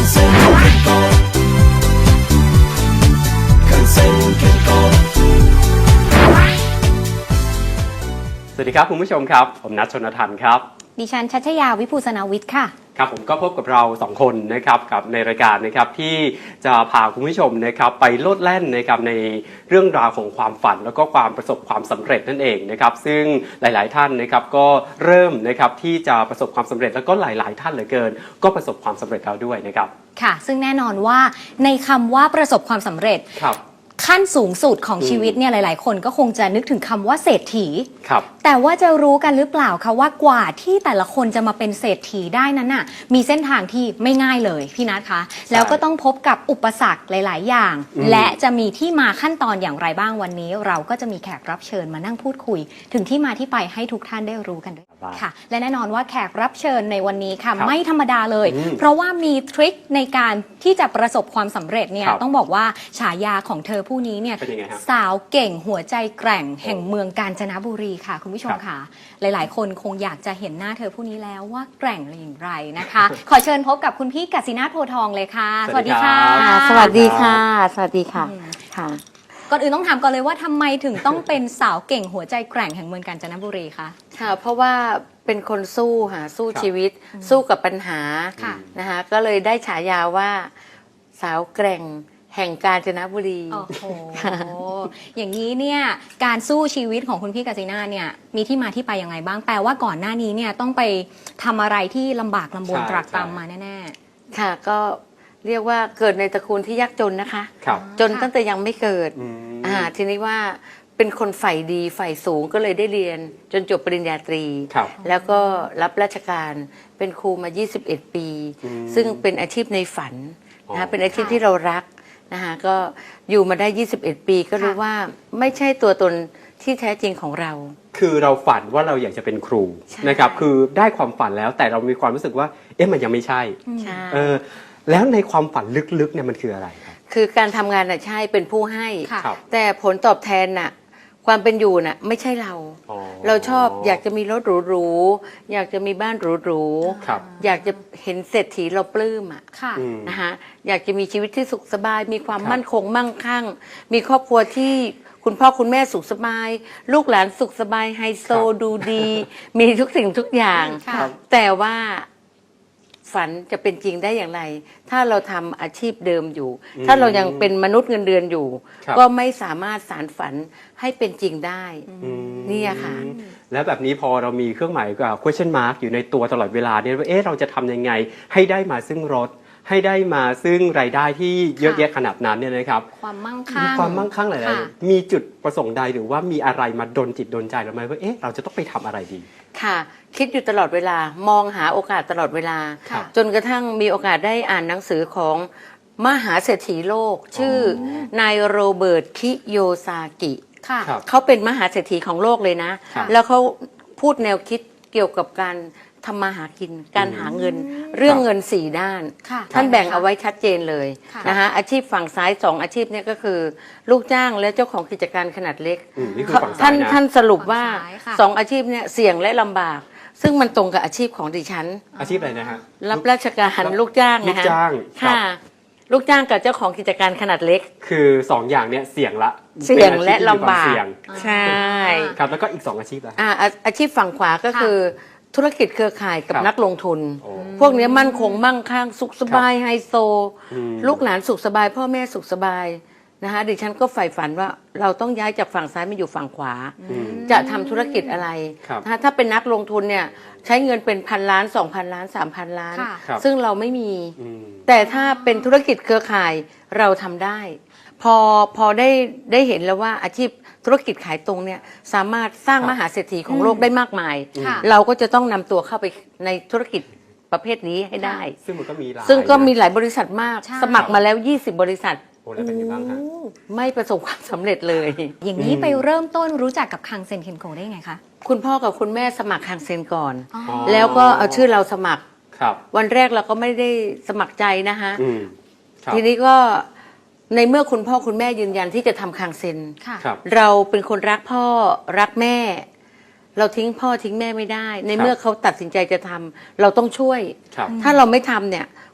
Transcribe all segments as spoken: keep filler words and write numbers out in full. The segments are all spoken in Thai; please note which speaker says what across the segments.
Speaker 1: สวัสดีครับคุณผู้ชมครับผมนัทชนทันครับ
Speaker 2: ดิฉันชัชยาวิภูสนาวิทย์ค่ะ
Speaker 1: ครับผมก็พบกับเราสองคนนะครับกับในรายการนะครับที่จะพาคุณผู้ชมนะครับไปโลดแล่นนะครับในเรื่องราวของความฝันแล้วก็ความประสบความสำเร็จนั่นเองนะครับซึ่งหลายๆท่านนะครับก็เริ่มนะครับที่จะประสบความสำเร็จแล้วก็หลายๆท่านเหลือเกินก็ประสบความสำเร็จแล้วด้วยนะครับ
Speaker 2: ค่ะซึ่งแน่นอนว่าในคำว่าประสบความสำเร็จ
Speaker 1: ครับ
Speaker 2: ขั้นสูงสุดของชีวิตเนี่ยหลายๆคนก็คงจะนึกถึงคำว่าเศรษฐี
Speaker 1: ครับ
Speaker 2: แต่ว่าจะรู้กันหรือเปล่าคะว่ากว่าที่แต่ละคนจะมาเป็นเศรษฐีได้นั้นน่ะมีเส้นทางที่ไม่ง่ายเลยพี่นัทคะแล้วก็ต้องพบกับอุปสรรคหลายๆอย่างและจะมีที่มาขั้นตอนอย่างไรบ้างวันนี้เราก็จะมีแขกรับเชิญมานั่งพูดคุยถึงที่มาที่ไปให้ทุกท่านได้รู้กันด้วยค่ะและแน่นอนว่าแขกรับเชิญในวันนี้ค่ะไม่ธรรมดาเลยเพราะว่ามีทริคในการที่จะประสบความสำเร็จเนี่ยต้องบอกว่าฉายาของเธอผู้นี้เนี่ยสาวเก่งหัวใจแกร่งแห่งเมืองกาญจนบุรีค่ะคุณผู้ชมค่ะหลายๆคนคงอยากจะเห็นหน้าเธอผู้นี้แล้วว่าแกร่งอย่างไรนะคะขอเชิญพบกับคุณพี่กสินาถโพทองเลยค่ะสวัสดีค่ะ
Speaker 3: สวัสดีค่ะสวัสดีค่ะค่ะ
Speaker 2: ก่อนอื่นต้องถามก่อนเลยว่าทำไมถึงต้องเป็นสาวเก่งหัวใจแกร่งแห่งเมืองกาญจนบุรีคะ
Speaker 3: ค่ะเพราะว่าเป็นคนสู้ค่ะสู้ชีวิตสู้กับปัญหานะคะก็เลยได้ฉายาว่าสาวแกร่งแห่งกาญจนบุรี
Speaker 2: โอ้โหอย่างนี้เนี่ยการสู้ชีวิตของคุณพี่กสินาเนี่ยมีที่มาที่ไปยังไงบ้างแปลว่าก่อนหน้านี้เนี่ยต้องไปทำอะไรที่ลำบากลำบนตรากตรำมาแน่
Speaker 3: ๆค่ะก็เรียกว่าเกิดในตระกูลที่ยากจนนะคะจนตั้งแต่ยังไม่เกิดอ่าทีนี้ว่าเป็นคนใฝ่ดีใฝ่สูงก็เลยได้เรียนจนจบปริญญาตรีแล้วก็รับราชการเป็นครูมายี่สิบเอ็ดปีซึ่งเป็นอาชีพในฝันนะคะเป็นอาชีพที่เรารักนะคะก็อยู่มาได้ยี่สิบเอ็ดปีก็รู้ว่าไม่ใช่ตัวตนที่แท้จริงของเรา
Speaker 1: คือเราฝันว่าเราอยากจะเป็นครูนะครับคือได้ความฝันแล้วแต่เรามีความรู้สึกว่าเอ๊ะมันยังไม่ใช่เออแล้วในความฝันลึกๆเนี่ยมันคืออะไรครับ
Speaker 3: คือการทำงานน่ะใช่เป็นผู้ให้แต่ผลตอบแทนน่ะความเป็นอยู่น่ะไม่ใช่เราเราชอบอยากจะมีรถหรูๆอยากจะมีบ้านหรูๆอยากจะเห็นเศรษฐีเราปลื้มอ่ะนะคะอยากจะมีชีวิตที่สุขสบายมีความมั่นคงมั่งคั่งมีครอบครัวที่คุณพ่อคุณแม่สุขสบายลูกหลานสุขสบายไฮโซดูดีมีทุกสิ่งทุกอย่างแต่ว่าฝันจะเป็นจริงได้อย่างไรถ้าเราทำอาชีพเดิมอยู่ถ้าเรายังเป็นมนุษย์เงินเดือนอยู่ก็ไม่สามารถสานฝันให้เป็นจริงได้นี่ค่ะ
Speaker 1: แล้วแบบนี้พอเรามีเครื่องหมายกับ question mark อยู่ในตัวตลอดเวลาเนี่ยว่าเอ๊ะเราจะทำยังไงให้ได้มาซึ่งรถให้ได้มาซึ่งรายได้ที่เยอะแยะขนาดนั้นเนี่ยนะครับ
Speaker 2: ความมั่งคั่ง
Speaker 1: ความมั่งคั่งหลายๆมีจุดประสงค์ใดหรือว่ามีอะไรมาดลจิตดลใจเราไหมว่าเอ๊ะเราจะต้องไปทำอะไรดี
Speaker 3: ค่ะคิดอยู่ตลอดเวลามองหาโอกาสตลอดเวลาจนกระทั่งมีโอกาสได้อ่านหนังสือของมหาเศรษฐีโลกชื่อนายโรเบิร์ตคิโยซากิเขาเป็นมหาเศรษฐีของโลกเลยนะแล้วเขาพูดแนวคิดเกี่ยวกับการทำมาหากินการหาเงินเรื่องเงินสี่ด้านท่านแบ่งเอาไว้ชัดเจนเลยนะคะอาชีพฝั่งซ้ายสองอาชีพนี้ก็คือลูกจ้างและเจ้าของกิจการขนาดเล็กท่านท่านสรุปว่าสองอาชีพนี้เสี่ยงและลำบากซึ่งมันตรงกับอาชีพของดิฉัน
Speaker 1: อาชีพอะไรนะฮะ
Speaker 3: รับราชการลูกจ้าง
Speaker 1: ลูกจ้าง
Speaker 3: ค่ะลูกจ้างกับเจ้าของกิจการขนาดเล็ก
Speaker 1: คือสองอย่างเนี้ยเสี่ยงละ
Speaker 3: เสี่ยงและลำบากใช่
Speaker 1: ครับแล้วก็อีกสองอาชีพละ
Speaker 3: อ่าอาชีพฝั่งขวาก็คือธุรกิจเครือข่ายกับนักลงทุนพวกนี้มั่นคงมั่งคั่งสุขสบายไฮโซลูกหลานสุขสบายพ่อแม่สุขสบายนะคะดิฉันก็ใฝ่ฝันว่าเราต้องย้ายจากฝั่งซ้ายมาอยู่ฝั่งขวาจะทำธุรกิจอะไรถ้าเป็นนักลงทุนเนี่ยใช้เงินเป็นพันล้านสองพันล้านสามพันล้านซึ่งเราไม่มีแต่ถ้าเป็นธุรกิจเครือข่ายเราทำได้พอพอได้ได้เห็นแล้วว่าอาชีพธุรกิจขายตรงเนี่ยสามารถสร้างมหาเศรษฐีของโลกได้มากมายเราก็จะต้องนำตัวเข้าไปในธุรกิจประเภทนี้ให้ได้
Speaker 1: ซึ่งมันก็มีหลาย
Speaker 3: ซึ่งก็มีหลายบริษัทมากสมัครมาแล้วยี่สิบบริษัทไม่ประสบความสำเร็จเลย
Speaker 2: อย่างนี้ไปเริ่มต้นรู้จักกับคังเซ็นเคนโกได้ไงคะ
Speaker 3: คุณพ่อกับคุณแม่สมัครคังเซ็นก่อนแล้วก็เอาชื่อเราสมัครวันแรกเราก็ไม่ได้สมัครใจนะคะทีนี้ก็ในเมื่อคุณพ่อคุณแม่ยืนยันที่จะทำคังเซ็นเราเป็นคนรักพ่อรักแม่เราทิ้งพ่อทิ้งแม่ไม่ได้ในเมื่อเขาตัดสินใจจะทำเราต้องช่วยถ้าเราไม่ทำเนี่ย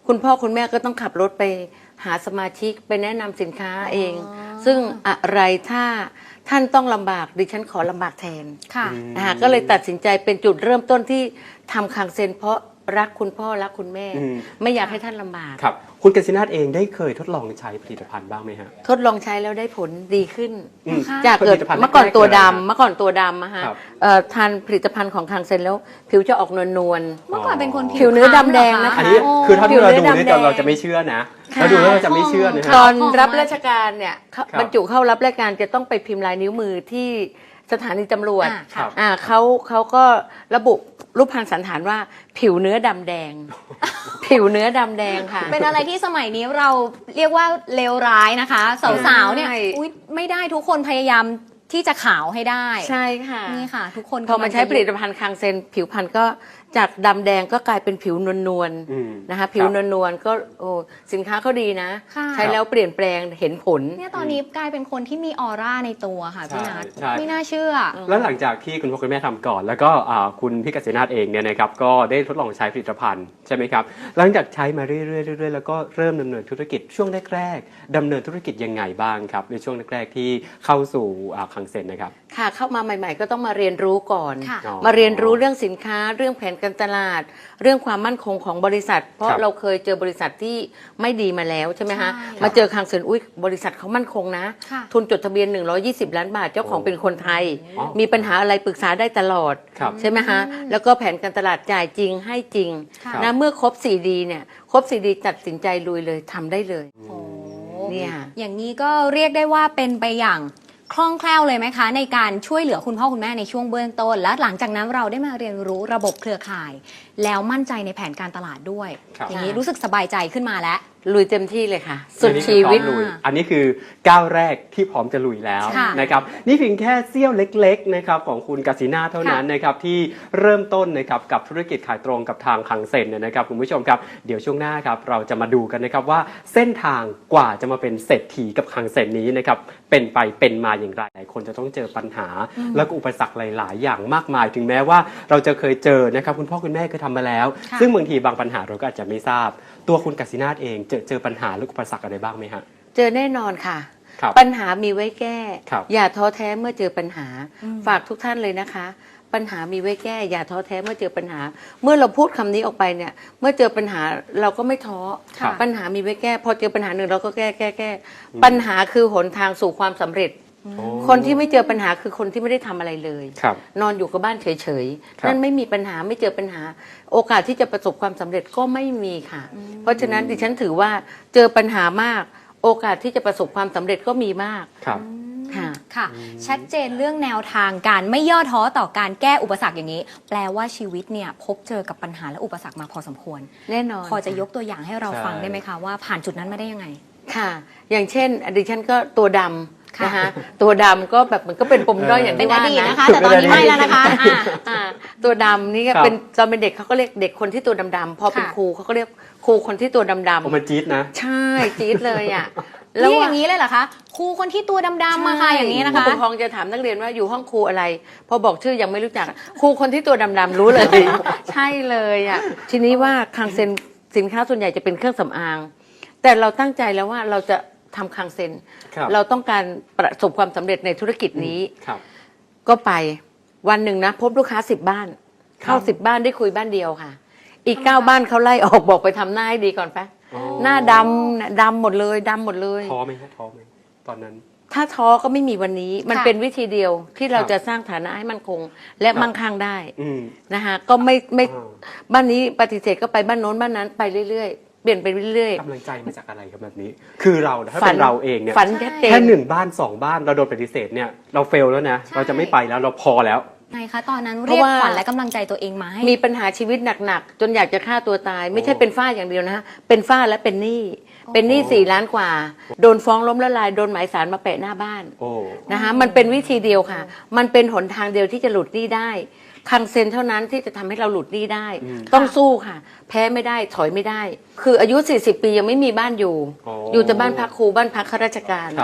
Speaker 3: คุณพ่อคุณแม่ก็ต้องขับรถไปหาสมาชิกไปแนะนำสินค้าเอง ซึ่งอะไรถ้าท่านต้องลำบากดิฉันขอลำบากแทน
Speaker 2: ค่ะ
Speaker 3: นะคะก็เลยตัดสินใจเป็นจุดเริ่มต้นที่ทำคังเซ็นเพราะรักคุณพ่อรักคุณแม่
Speaker 1: อืม
Speaker 3: ไม่อยากให้ท่านลำบาก
Speaker 1: ครับคุณกสินาถเองได้เคยทดลองใช้ผลิตภัณฑ์บ้างไหมฮะ
Speaker 3: ทดลองใช้แล้วได้ผลดีขึ้น
Speaker 1: อืม
Speaker 3: จากเกิด
Speaker 1: ผลิตภัณฑ์
Speaker 3: เมื่อก่อนตัว
Speaker 1: แรกๆเลย
Speaker 3: ดำเมื่อก่อนตัวดำอะฮะ
Speaker 1: ครับ
Speaker 3: เอ่อทานผลิตภัณฑ์ของคังเซ็นแล้วผิวจะออกนวลนวล
Speaker 2: เมื่อก่อนเป็นคน
Speaker 3: ผิวเนื้อดำแดงนะคะ
Speaker 1: อันนี้
Speaker 2: โอ้
Speaker 1: คือถ้าที่เราดู
Speaker 3: ผิวเนื้อ
Speaker 1: นี่
Speaker 3: ดำแดง
Speaker 1: เราจะไม่เชื่อนะ
Speaker 3: ค่ะ
Speaker 1: เราดูแล้วเราจะไม่เชื่อนะ
Speaker 2: ค
Speaker 1: ฮะ
Speaker 3: ตอน
Speaker 2: ของ
Speaker 3: รับ
Speaker 2: มาก
Speaker 3: ราชการเนี่ยเขา
Speaker 1: ครับ
Speaker 3: บรรจุเข้ารับราชการจะต้องไปพิมพ์ลายนิ้วมือที่สถานีตำรวจ
Speaker 2: อ่า
Speaker 1: ครับ
Speaker 3: อ่าเขาเขาก็ระบุรูปพรรณสันฐานว่าผิวเนื้อดำแดง ผิวเนื้อดำแดงค่ะ
Speaker 2: เป็นอะไรที่สมัยนี้เราเรียกว่าเลวร้ายนะคะ สาวๆเนี่ย
Speaker 3: ใช่
Speaker 2: อุ๊ยไม่ได้ทุกคนพยายามที่จะขาวให้ได้
Speaker 3: ใช่ค่ะ
Speaker 2: นี่ค่ะ ทุกคน
Speaker 3: พอมาใช้ผลิต
Speaker 2: กำงจะ
Speaker 3: ภัณฑ์คังเซนผิวพรรณก็จากดำแดงก็กลายเป็นผิวนวลนวลๆ
Speaker 1: อืม
Speaker 3: นะคะผิวนวลนวลๆก็โอ้สินค้าเขาดีนะ
Speaker 2: ค่ะ
Speaker 3: ใช้แล้วเปลี่ยนแปลงเห็นผล
Speaker 2: เนี่ยตอนนี้กลายเป็นคนที่มีออร่าในตัวค่ะพี่นัท
Speaker 1: ใช่
Speaker 2: ไม่น่าเชื่อ
Speaker 1: แล้วหลังจากที่คุณพ่อคุณแม่ทำก่อน แล้วก็อ่าคุณพี่กสินาถเองเนี่ยนะครับก็ได้ทดลองใช้ผลิตภัณฑ์ใช่ไหมครับหลังจากใช้มาเรื่อยๆเรื่อยๆแล้วก็เริ่มดำเนินธุรกิจช่วงแรกๆดำเนินธุรกิจยังไงบ้างครับในช่วงแรกๆที่เข้าสู่อ่าคังเซ็นนะครับ
Speaker 3: ค่ะเข้ามาใหม่ ๆ ก็ต้องมาเรียนรู้ก่อน
Speaker 2: ค่ะ
Speaker 1: อ๋อ
Speaker 3: มาเรียนรู้เรื่องสินค้าเรื่องแผนการตลาด เรื่องความมั่นคงของบริษัท เพราะ
Speaker 1: ครับ
Speaker 3: เราเคยเจอบริษัทที่ไม่ดีมาแล้วใช่ไหมฮะ
Speaker 2: ใช่
Speaker 3: มาเจอคังเซ็นอุ้ยบริษัทเขามั่นคงนะ
Speaker 2: ค่ะ
Speaker 3: ทุนจดทะเบียนหนึ่งร้อยยี่สิบล้านบาทเจ้าของ
Speaker 1: โอ้
Speaker 3: เป็นคนไทย
Speaker 1: อ๋อ
Speaker 3: มีปัญหาอะไรปรึกษาได้ตลอด
Speaker 1: ครับ
Speaker 3: ใช่ไหมฮะแล้วก็แผนการตลาดจ่ายจริงให้จริง
Speaker 2: ค่ะ
Speaker 3: นะเมื่อครบ สี่ดี เนี่ยครบ สี่ดี ตัดสินใจลุยเลยทำได้เลย
Speaker 2: โอ้
Speaker 3: เนี่ย
Speaker 2: อย่างนี้ก็เรียกได้ว่าเป็นไปอย่างคล่องแคล่วเลยไหมคะ ในการช่วยเหลือคุณพ่อคุณแม่ในช่วงเบื้องต้น และหลังจากนั้นเราได้มาเรียนรู้ระบบเครือข่าย แล้วมั่นใจในแผนการตลาดด้วย
Speaker 1: ครับ
Speaker 2: อย่างนี้รู้สึกสบายใจขึ้นมาแล้ว
Speaker 3: ลุยเต็มที่เลยค่ะ สุด
Speaker 1: อันนี้
Speaker 3: ชี
Speaker 1: คือพร้อ
Speaker 3: วิต
Speaker 1: มลุยอันนี้คือก้าวแรกที่พร้อมจะลุยแล้ว
Speaker 2: ค่ะ
Speaker 1: นะครับนี่เพียงแค่เสี้ยวเล็กๆนะครับของคุณกสินาถเท่านั้นนะครับที่เริ่มต้นนะครับกับธุรกิจขายตรงกับทางคังเซ็นเนี่ยนะครับคุณผู้ชมครับเดี๋ยวช่วงหน้าครับเราจะมาดูกันนะครับว่าเส้นทางกว่าจะมาเป็นเศรษฐีกับคังเซ็นนี้นะครับเป็นไปเป็นมาอย่างไรหลายคนจะต้องเจอปัญหา แล้วก็อุปสรรคหลาย ๆ อย่างมากมาย ถึงแม้ว่าเราจะเคยเจอนะครับคุณพ่อคุณแม่เคยทำมาแล้ว
Speaker 2: ค่ะ
Speaker 1: ซึ่งบางทีบางปัญหาเราก็อาจจะไม่ทราบ ตัวคุณกสินาถเองเจอเจอปัญหาหรืออุปสรรคอะไรบ้างไหมฮะ
Speaker 3: เจอแน่นอนค่ะ
Speaker 1: ครับ
Speaker 3: ปัญหามีไว้แก้
Speaker 1: ครับ
Speaker 3: อย่าท้อแท้เมื่อเจอปัญหา
Speaker 2: อืม
Speaker 3: ฝากทุกท่านเลยนะคะ ปัญหามีไว้แก้ อย่าท้อแท้เมื่อเจอปัญหา เมื่อเราพูดคำนี้ออกไปเนี่ย เมื่อเจอปัญหาเราก็ไม่ท้อ
Speaker 1: ครับ
Speaker 3: ปัญหามีไว้แก้ พอเจอปัญหาหนึ่งเราก็แก้แก้แก้ ปัญหาคือหนทางสู่ความสำเร็จ
Speaker 1: โอ้
Speaker 3: คนที่ไม่เจอปัญหาคือคนที่ไม่ได้ทำอะไรเลย
Speaker 1: ครับ
Speaker 3: นอนอยู่กับบ้านเฉย
Speaker 1: ครับ
Speaker 3: ๆ นั่นไม่มีปัญหาไม่เจอปัญหา โอกาสที่จะประสบความสำเร็จก็ไม่มีค่ะ เพราะฉะนั้นดิฉันถือว่าเจอปัญหามาก โอกาสที่จะประสบความสำเร็จก็มีมาก
Speaker 1: ครับ
Speaker 3: ค่ะ
Speaker 2: ค่ะ ชัดเจนเรื่องแนวทางการไม่ย่อท้อต่อการแก้อุปสรรคอย่างนี้ แปลว่าชีวิตเนี่ยพบเจอกับปัญหาและอุปสรรคมาพอสมควร
Speaker 3: แน่นอน
Speaker 2: พอจะยกตัวอย่างให้เรา
Speaker 1: ใช่
Speaker 2: ฟังได้ไหมคะว่าผ่านจุดนั้นมาได้ยังไง
Speaker 3: ค่ะ อย่างเช่นดิฉันก็ตัวดำ
Speaker 2: ค่ะ
Speaker 3: นะคะตัวดำก็แบบมันก็เป็นปมด้อยอย่าง
Speaker 2: เป็น
Speaker 3: ที่
Speaker 2: อ
Speaker 3: ว่า
Speaker 2: ดีต
Speaker 3: นะ
Speaker 2: นะคะ แต่ตอนนี้ไม่แล้วนะคะอ่ะ
Speaker 3: อ่าตัวดำนี่ก็
Speaker 1: ครับ
Speaker 3: เป็นตอนเป็นเด็กเขาก็เรียกเด็กคนที่ตัวดำๆพอเป็น
Speaker 2: ค่ะ
Speaker 3: ครูเขาก็เรียกครูคนที่ตัวด
Speaker 1: โอ้
Speaker 3: ำ
Speaker 1: มันจี๊ดนะ
Speaker 3: ๆใช่จี๊ดเลยอ่ะ
Speaker 2: แล้วอ
Speaker 3: อะ
Speaker 2: ย่างนี้เลยเหรอคะครูคนที่ตัวดำๆมาค่ะอย่างนี้นะคะ
Speaker 3: ผู้ปกครองจะถามนักเรียนว่าอยู่ห้องครูอะไร พอบอกชื่อยังไม่รู้จักครูคนที่ตัวดำๆรู้เลย ใช่เลยอ่ะทีนี้ว่าคังเซ็นสินค้าส่วนใหญ่จะเป็นเครื่องสำอาง แต่เราตั้งใจแล้วว่าเราจะทำคังเซ็น
Speaker 1: ครับ
Speaker 3: เราต้องการประสบความสำเร็จในธุรกิจนี้
Speaker 1: ครับ
Speaker 3: ก็ไปวันหนึ่งนะ พบลูกค้าสิบบ้าน เข้า
Speaker 1: ครับ
Speaker 3: สิบบ้านได้คุยบ้านเดียวค่ะ อีกเก้าบ้านเขาไล่ออกบอกไปทำหน้าให้ดีก่อนไป
Speaker 1: อ๋อ
Speaker 3: หน้าดำน่ะดำหมดเลยดำหมดเลย
Speaker 1: ท้อไหมฮะท้อไหมตอนนั้น
Speaker 3: ถ้าท้อก็ไม่มีวันนี้ มัน
Speaker 2: ค่ะ
Speaker 3: เป็นวิธีเดียวที่เรา
Speaker 1: ครับ
Speaker 3: จะสร้างฐานะให้มั่นคง และ
Speaker 1: ครับ
Speaker 3: มั่งคั่งได้
Speaker 1: อืม
Speaker 3: นะคะก็ไม่ไม่
Speaker 1: อ่า
Speaker 3: บ้านนี้ปฏิเสธก็ไปบ้านโน้นบ้านนั้นไปเรื่อยๆ เปลี่ยนไปเรื่อย
Speaker 1: กำลังใจมาจากอะไรครับแบบนี้ คือเราถ้า
Speaker 3: ฝั
Speaker 1: เป็น นเราเองเนี่ย
Speaker 3: ฝันชัดเจน
Speaker 1: แค่หนึ่งบ้านสองบ้านเราโดนปฏิเสธเนี่ยเราเฟลแล้วนะ
Speaker 2: ใช่
Speaker 1: เราจะไม่ไปแล้วเราพอแล้ว
Speaker 2: ไงคะตอนนั้น
Speaker 3: เพ
Speaker 2: เรี
Speaker 3: ราะ
Speaker 2: ยก
Speaker 3: ว่า
Speaker 2: ขวัญและกำลังใจตัวเองมาให้
Speaker 3: มีปัญหาชีวิตหนักๆ จนอยากจะฆ่าตัวตาย ไม่ใช่
Speaker 1: โอ้
Speaker 3: เป็นฝ้าอย่างเดียวนะเป็นฝ้าและเป็นหนี้เป็นหนี้สี่ล้านกว่า โดนฟ้องล้มละลายโดนหมายสารมาแปะหน้าบ้าน
Speaker 1: โอ้
Speaker 3: นะคะมันเป็นวิธีเดียวค่ะ มันเป็นหนทางเดียวที่จะหลุดหนี้ได้ คังเซ็นเท่านั้นที่จะทำให้เราหลุดหนี้ได้
Speaker 1: อืม
Speaker 3: ต้องสู้ค่ะ แพ้ไม่ได้ถอยไม่ได้ คืออายุ สี่สิบ ปียังไม่มีบ้านอยู่
Speaker 1: โอ้
Speaker 3: อยู่แต่บ้านพักครูบ้านพักข้าราชการ
Speaker 1: ครับ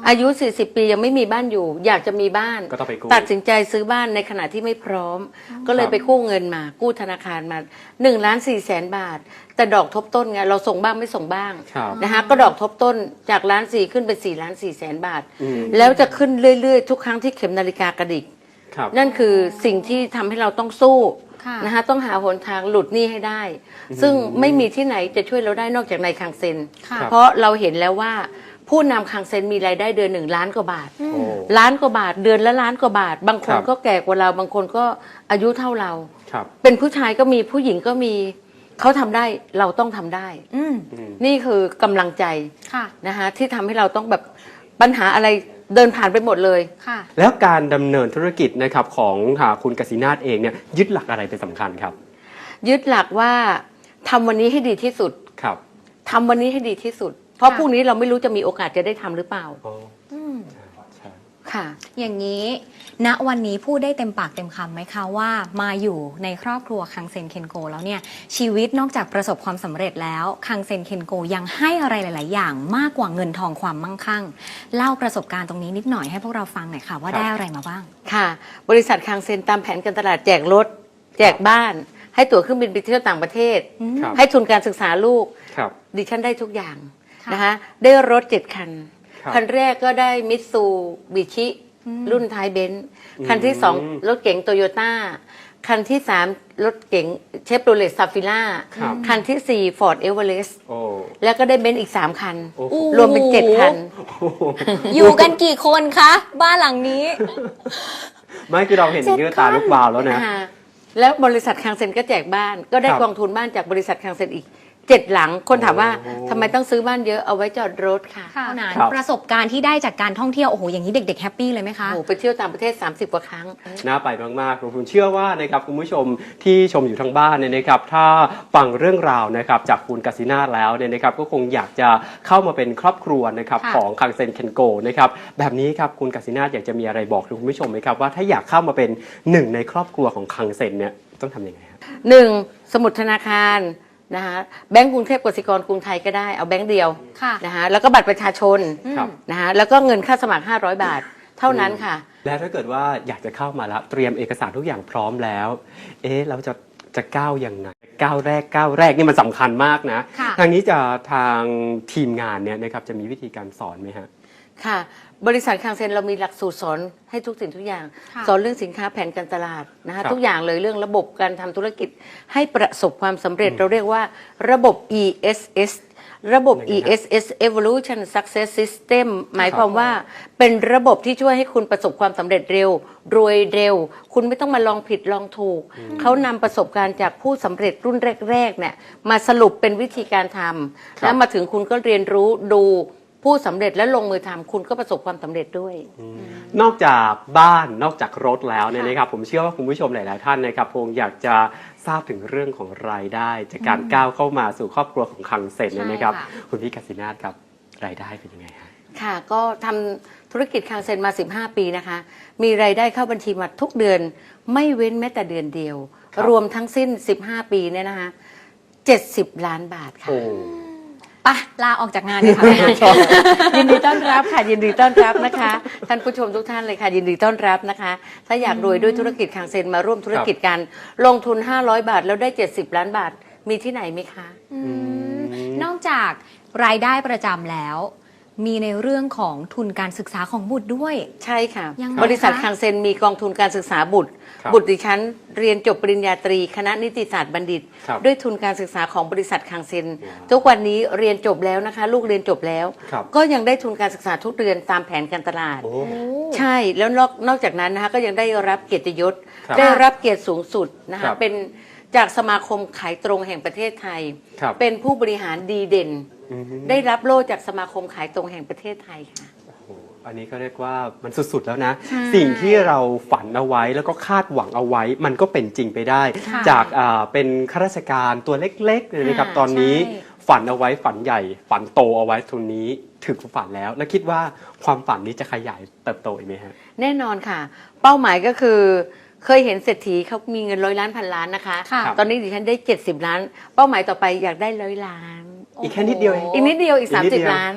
Speaker 3: อายุ สี่สิบ ปียังไม่มีบ้านอยู่ อยากจะมีบ้าน
Speaker 1: ก็ต้องไปกู้
Speaker 3: ตัดสินใจซื้อบ้านในขณะที่ไม่พร้อม ก็เลยไปกู้เงินมา กู้ธนาคารมาหนึ่งล้านสี่แสนบาท แต่ดอกทบต้นไงเราส่งบ้างไม่ส่งบ้าง
Speaker 1: ครับ
Speaker 3: นะคะก็ดอกทบต้นจากล้านสี่ขึ้นเป็นสี่ล้านสี่แสนบาท
Speaker 1: อืม
Speaker 3: แล้วจะขึ้นเรื่อยๆ ทุกครั้งที่เข็มนาฬิกากระดิก
Speaker 1: ครับ
Speaker 3: นั่นคือสิ่งที่ทำให้เราต้องสู้
Speaker 2: ค่ะ
Speaker 3: นะคะต้องหาหนทางหลุดหนี้ให้ได้ ซึ่งไม่มีที่ไหนจะช่วยเราได้นอกจากในคังเซ็น
Speaker 2: ค่ะ
Speaker 3: เพราะเราเห็นแล้วว่าผู้นำคังเซ็นมีรายได้เดือนหนึ่งล้านกว่าบาท
Speaker 1: โอ้
Speaker 3: ล้านกว่าบาทเดือนละล้านกว่าบาท บางคน
Speaker 1: ครับ
Speaker 3: ก็แก่กว่าเราบางคนก็อายุเท่าเรา
Speaker 1: ครับ
Speaker 3: เป็นผู้ชายก็มีผู้หญิงก็มีเขาทำได้เราต้องทำได้
Speaker 2: อืม
Speaker 3: นี่คือกำลังใจ
Speaker 2: ค่ะ
Speaker 3: นะคะที่ทำให้เราต้องแบบปัญหาอะไรเดินผ่านไปหมดเลย
Speaker 2: ค่ะ
Speaker 1: แล้วการดำเนินธุรกิจนะครับของหาคุณกสินาถเองเนี่ยยึดหลักอะไรเป็นสำคัญครับ
Speaker 3: ยึดหลักว่าทำวันนี้ให้ดีที่สุด
Speaker 1: ครับ
Speaker 3: ทำวันนี้ให้ดีที่สุด เพราะ
Speaker 2: ค่ะ
Speaker 3: พรุ่งนี้เราไม่รู้จะมีโอกาสจะได้ทำหรือเปล่า
Speaker 1: อ๋อ
Speaker 2: อืม
Speaker 1: ใช่
Speaker 3: ค่ะ
Speaker 2: อย่างนี้ ณ วันนี้พูดได้เต็มปากเต็มคำไหมคะว่ามาอยู่ในครอบครัวคังเซ็นเคนโกแล้วเนี่ยชีวิตนอกจากประสบความสำเร็จแล้วคังเซ็นเคนโกยังให้อะไรหลาย ๆ อย่างมากกว่าเงินทองความมั่งคั่ง เล่าประสบการณ์ตรงนี้นิดหน่อยให้พวกเราฟังหน่อยค่ะว่าได้อะไรมาบ้าง
Speaker 3: ค่ะ บริษัทคังเซ็นตามแผนการตลาดแจกรถ แจกบ้าน ให้ตั๋วเครื่องบินไปเที่ยวต่างประเทศ
Speaker 1: ครับ
Speaker 3: ให้ทุนการศึกษาลูก
Speaker 1: ครับ
Speaker 3: ดิฉันได้ทุกอย่าง
Speaker 2: ค่ะ
Speaker 3: นะคะได้รถเจ็ดคัน
Speaker 1: ครับ
Speaker 3: คันแรกก็ได้มิตซูบิชิ รุ่นท้ายเบนซ์คันที่สองรถเก๋งโตโยต้าคันที่สามรถเก๋งเชฟโรเลตซาฟิล่า
Speaker 1: ครับ
Speaker 3: คันที่สี่ฟอร์ดเอเวอเรสต์
Speaker 1: โอ้
Speaker 3: แล้วก็ได้เบนซ์อีกสามคัน
Speaker 1: โอ้โห
Speaker 3: รวมเป็นเจ็ดคัน
Speaker 2: อยู่กันกี่คนคะ บ้านหลังนี้
Speaker 1: ไม่คือเราเห็นอย่างนี้ก็ตาลุกวาวแล้วนะ
Speaker 3: อ่าแล้วบริษัทคังเซ็นก็แจกบ้าน ก็ได้
Speaker 1: ครับ
Speaker 3: กองทุนบ้านจากบริษัทคังเซ็นอีกเจ็ดหลัง คนถามว่า
Speaker 1: โอ้
Speaker 3: ทำไมต้องซื้อบ้านเยอะเอาไว้จอดรถค่ะ
Speaker 2: เท่านั้น
Speaker 1: ครับ
Speaker 2: ประสบการณ์ที่ได้จากการท่องเที่ยวโอ้โหอย่างนี้เด็ก ๆ แฮปปี้เลยไหมคะ
Speaker 3: โอ้โหไปเที่ยวต่างประเทศ สามสิบ กว่าครั้ง
Speaker 1: น่าไปมากๆผมเชื่อว่านะครับคุณผู้ชมที่ชมอยู่ทางบ้านเนี่ยนะครับถ้าฟังเรื่องราวนะครับจากคุณกสินาถแล้วเนี่ยนะครับก็คงอยากจะเข้ามาเป็นครอบครัวนะครับ
Speaker 2: ค่ะ
Speaker 1: ของคังเซ็นเคนโกนะครับแบบนี้ครับคุณกสินาถอยากจะมีอะไรบอกคุณผู้ชมไหมครับว่าถ้าอยากเข้ามาเป็นหนึ่งในครอบครัวของคังเซ็นเนี่ยต้องทำยังไงครับ
Speaker 3: หนึ่งสมุดธนาคารนะคะแบงก์กรุงเทพกสิกรกรุงไทยก็ได้เอาแบงก์เดียว
Speaker 2: ค่ะ
Speaker 3: นะคะแล้วก็บัตรประชาชน
Speaker 1: ครับ
Speaker 3: นะคะแล้วก็เงินค่าสมัครห้าร้อยบาท เท่านั้นค่ะ
Speaker 1: และถ้าเกิดว่าอยากจะเข้ามาแล้วเตรียมเอกสารทุกอย่างพร้อมแล้ว เอ๊ะเราจะจะก้าวยังไงก้าวแรกก้าวแรกนี่มันสำคัญมากนะ
Speaker 2: ค่ะ
Speaker 1: ทางนี้จะทางทีมงานเนี่ยนะครับจะมีวิธีการสอนไหมฮะ
Speaker 3: ค่ะบริษัทคังเซ็นเรามีหลักสูตรสอนให้ทุกสิ่งทุกอย่าง
Speaker 2: ค่ะ
Speaker 3: สอนเรื่องสินค้าแผนการตลาดนะ
Speaker 1: ครั
Speaker 3: คะ
Speaker 1: บ
Speaker 3: ทุกอย่างเลยเรื่องระบบการทำธุรกิจให้ประสบความสำเร็จเราเรียกว่าระบบ อี เอส เอส ระบบ
Speaker 1: ยังไง
Speaker 3: อี
Speaker 1: ฮะ
Speaker 3: เอส เอส Evolution Success System หมายความว่าเป็นระบบที่ช่วยให้คุณประสบความสำเร็จเร็ว รวยเร็ว คุณไม่ต้องมาลองผิดลองถูก เขานำประสบการณ์จากผู้สำเร็จรุ่นแรกๆเนี่ยมาสรุปเป็นวิธีการทำแล้วมาถึงคุณก็เรียนรู้ดูผู้สำเร็จและลงมือทำคุณก็ประสบความสำเร็จด้วย
Speaker 1: นอกจากบ้านนอกจากรถแล้วเนี่ยนะครับผมเชื่อว่าคุณผู้ชมหลายๆท่านนะครับคงอยากจะทราบถึงเรื่องของรายได้ จากการก้าวเข้ามาสู่ครอบครัวของคังเซ็นเนี่ยนะครับ
Speaker 2: ใช่ค่ะ
Speaker 1: คุณพี่กสินาถครับรายได้เป็นยังไงฮะ
Speaker 3: ค่ะก็ทำธุรกิจคังเซ็นมา สิบห้า ปีนะคะ มีรายได้เข้าบัญชีมาทุกเดือนไม่เว้นแม้แต่เดือนเดียว
Speaker 1: ครับ
Speaker 3: รวมทั้งสิ้น สิบห้า ปีเนี่ยนะคะเจ็ดสิบ ล้านบาทค่ะ
Speaker 1: โอ้
Speaker 2: ไปลาออกจากงานเลยค่ะแม่
Speaker 3: ยินดีต้อนรับค่ะยินดีต้อนรับนะคะท่านผู้ชมทุกท่านเลยค่ะยินดีต้อนรับนะคะ ถ้าอยากรวยด้วยธุรกิจคังเซ็นมาร่วมธุรกิจกันลงทุนห้าร้อยบาทแล้วได้เจ็ดสิบล้านบาทมีที่ไหนไหมคะ
Speaker 2: อืมนอกจากรายได้ประจำแล้ว มีในเรื่องของทุนการศึกษาของบุตรด้วย
Speaker 3: ใช่ค่ะ
Speaker 2: ยังไง
Speaker 3: บริษัท
Speaker 2: คะ
Speaker 3: คังเซ็นมีกองทุนการศึกษาบุตร
Speaker 1: ครับ
Speaker 3: บุตรดิฉันเรียนจบปริญญาตรี คณะนิติศาสตร์บัณฑิต
Speaker 1: ครับ
Speaker 3: ด้วยทุนการศึกษาของบริษัทคังเซ็น
Speaker 1: ว้าว
Speaker 3: ทุกวันนี้เรียนจบแล้วนะคะ ลูกเรียนจบแล้ว
Speaker 1: ครับ
Speaker 3: ก็ยังได้ทุนการศึกษาทุกเดือนตามแผนการตลาด
Speaker 1: โอ้
Speaker 3: ใช่แล้วนอกนอกจากนั้นนะคะก็ยังได้รับเกียรติยศ
Speaker 1: ครับ
Speaker 3: ได้รับเกียรติสูงสุดนะ
Speaker 1: ครั
Speaker 3: คะ
Speaker 1: บ
Speaker 3: เป็นจากสมาคมขายตรงแห่งประเทศไทย
Speaker 1: ครับ
Speaker 3: เป็นผู้บริหารดีเด่น
Speaker 1: อืม
Speaker 3: ได้รับโล่จากสมาคมขายตรงแห่งประเทศไทยค่ะ
Speaker 1: โอ้โหอันนี้ก็เรียกว่ามันสุดๆแล้วนะ
Speaker 3: ใช่
Speaker 1: สิ่งที่เราฝันเอาไว้แล้วก็คาดหวังเอาไว้ มันก็เป็นจริงไปได้
Speaker 2: ค่ะ
Speaker 1: จากอ่าเป็นข้าราชการตัวเล็กๆเลยนะครับ
Speaker 3: ค่ะ
Speaker 1: ตอนนี้
Speaker 2: ใช่
Speaker 1: ฝันเอาไว้ฝันใหญ่ ฝันโตเอาไว้ทุนนี้ถึงฝันแล้ว แล้วคิดว่าความฝันนี้จะขยายเติบโตอีกไหมฮะ
Speaker 3: แน่นอนค่ะ เป้าหมายก็คือเคยเห็นเศรษฐีเขามีเงินร้อยล้านพันล้านนะคะ
Speaker 2: ค่ะ
Speaker 3: ตอนนี้ดิฉันได้เจ็ดสิบล้าน เป้าหมายต่อไปอยากได้ร้อยล้าน
Speaker 1: อีกแค่นิดเดียวเอง
Speaker 3: อีกนิดเดียวอีก
Speaker 1: อีกนิดเดียว
Speaker 3: สามสิบล้าน ก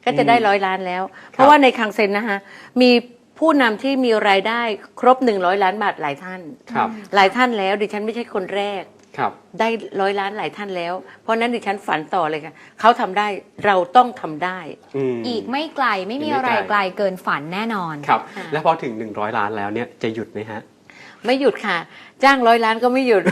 Speaker 3: ก็จะได้ร้อยล้านแล้ว เพราะว่าในคังเซ็นนะคะมีผู้นำที่มีรายได้ครบหนึ่งร้อยล้านบาทหลายท่าน
Speaker 1: ครับ
Speaker 3: หลายท่านแล้วดิฉันไม่ใช่คนแรก
Speaker 1: ครับ
Speaker 3: ได้ร้อยล้านหลายท่านแล้ว เพราะฉะนั้นดิฉันฝันต่อเลยค่ะเขาทำได้เราต้องทำได้
Speaker 1: อืม
Speaker 2: อีกไม่ไกลไม่มี
Speaker 1: อีกไม่
Speaker 2: อะไร
Speaker 1: ไกล
Speaker 2: ไกลเกินฝันแน่นอน
Speaker 1: ครับ
Speaker 3: ค่ะ
Speaker 1: แล้วพอถึงหนึ่งร้อยล้านแล้วเนี่ยจะหยุดไหมฮะ
Speaker 3: ไม่หยุดค่ะ จ้างร้อยล้านก็ไม่หยุด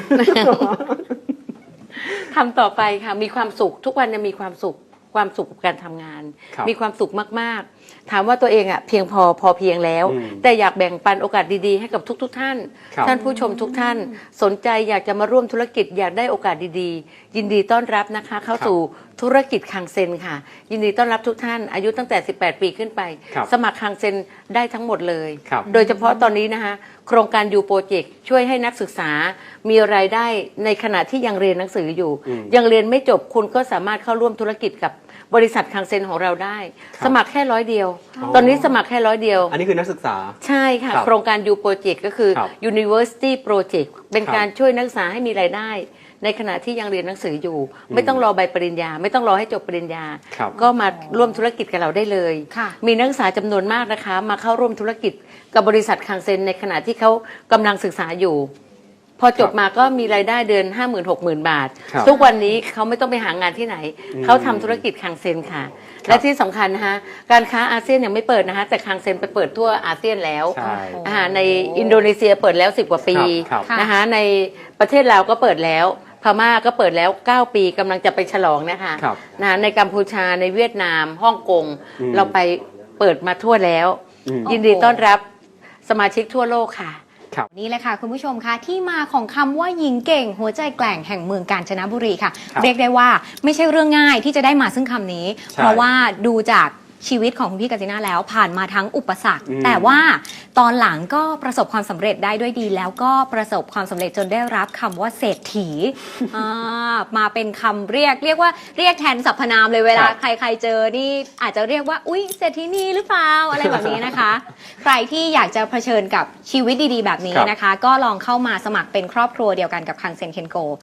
Speaker 3: ทำต่อไปค่ะ มีความสุขทุกวันจะมีความสุขความสุขกับการทำงาน
Speaker 1: ครับ
Speaker 3: มีความสุขมากๆ ถามว่าตัวเองอ่ะเพียงพอพอเพียงแล้ว
Speaker 1: อืม
Speaker 3: แต่อยากแบ่งปันโอกาสดีๆให้กับทุก ๆ ท่าน
Speaker 1: ครับ
Speaker 3: ท่านผู้ชมทุกท่าน สนใจอยากจะมาร่วมธุรกิจอยากได้โอกาสดีๆ ยินดีต้อนรับนะคะ เข้าสู่ธุรกิจคังเซนค่ะ ยินดีต้อนรับทุกท่าน อายุตั้งแต่สิบแปดปีขึ้นไป
Speaker 1: ครับ
Speaker 3: สมัครคังเซนได้ทั้งหมดเลย
Speaker 1: ครับ
Speaker 3: โดยเฉพาะตอนนี้นะคะโครงการยูโปรเจกต์ช่วยให้นักศึกษามีรายได้ในขณะที่ยังเรียนหนังสืออยู่
Speaker 1: อืม
Speaker 3: ยังเรียนไม่จบคุณก็สามารถเข้าร่วมธุรกิจกับบริษัทคังเซนของเราได้
Speaker 1: ครับ
Speaker 3: สมัครแค่ร้อยเดียว
Speaker 1: อ๋อ
Speaker 3: ตอนนี้สมัครแค่ร้อยเดียว
Speaker 1: อันนี้คือนักศึกษา
Speaker 3: ใช่ค่ะ
Speaker 1: ครับ
Speaker 3: โครงการยูโปรเจกต์ก็คือ
Speaker 1: ครับ
Speaker 3: University Project เป็น
Speaker 1: ครับ
Speaker 3: การช่วยนักศึกษาให้มีรายได้ ในขณะที่ยังเรียนหนังสืออยู่ ไม่ต้องรอใบปริญญา ไม่ต้องรอให้จบปริญญา
Speaker 1: ครับ
Speaker 3: ก็มาร่วมธุรกิจกับเราได้เลย
Speaker 2: ค่ะ
Speaker 3: มีนักศึกษาจำนวนมากนะคะ มาเข้าร่วมธุรกิจกับบริษัทคังเซนในขณะที่เขากำลังศึกษาอยู่ พอจบมาก็มีรายได้เดือน ห้าหมื่นหกหมื่น บาท
Speaker 1: ครับ
Speaker 3: ทุกวันนี้เขาไม่ต้องไปหางานที่ไหน
Speaker 1: อืม
Speaker 3: เขาทำธุรกิจคังเซนค่ะ และที่สำคัญนะคะการค้าอาเซียนยังไม่เปิดนะคะแต่คังเซนไปเปิดทั่วอาเซียนแล้ว
Speaker 1: ใช่
Speaker 3: อ่าในอินโดนีเซียเปิดแล้วสิบกว่าปี
Speaker 1: ครับครับ
Speaker 3: นะคะในประเทศลาวก็เปิดแล้ว พม่าก็เปิดแล้วเก้าปีกำลังจะไปฉลองนะคะ
Speaker 1: ครับ
Speaker 3: นะในกัมพูชาในเวียดนามฮ่องกง
Speaker 1: อืม
Speaker 3: เราไปเปิดมาทั่วแล้ว
Speaker 1: อืม
Speaker 3: ยินดีต้อนรับสมาชิกทั่วโลกค่ะ
Speaker 1: ครับ
Speaker 2: นี่เลยค่ะคุณผู้ชมคะที่มาของคำว่าหญิงเก่ง หัวใจแกร่งแห่งเมืองกาญจนบุรีค่ะ
Speaker 1: ครับ
Speaker 2: เรียกได้ว่าไม่ใช่เรื่องง่ายที่จะได้มาซึ่งคำนี้
Speaker 1: ใช่
Speaker 2: เพราะว่าดูจากชีวิตของคุณพี่กัจจินาแล้วผ่านมาทั้งอุปสรรค
Speaker 1: อืม
Speaker 2: แต่ว่าตอนหลังก็ประสบความสำเร็จได้ด้วยดี แล้วก็ประสบความสำเร็จจนได้รับคำว่าเศรษฐีอ่ามาเป็นคำเรียกเรียกว่าเรียกแทนสรรพนามเลยเวลา
Speaker 1: ครับ
Speaker 2: ใครๆเจอนี่อาจจะเรียกว่าอุ๊ยเศรษฐีนีหรือเปล่าอะไรแบบนี้นะคะ ใครที่อยากจะเผชิญกับชีวิตดีๆ แบบนี้
Speaker 1: ครับ
Speaker 2: นะคะ ก็ลองเข้ามาสมัครเป็นครอบครัวเดียวกันกับคังเซนเคนโก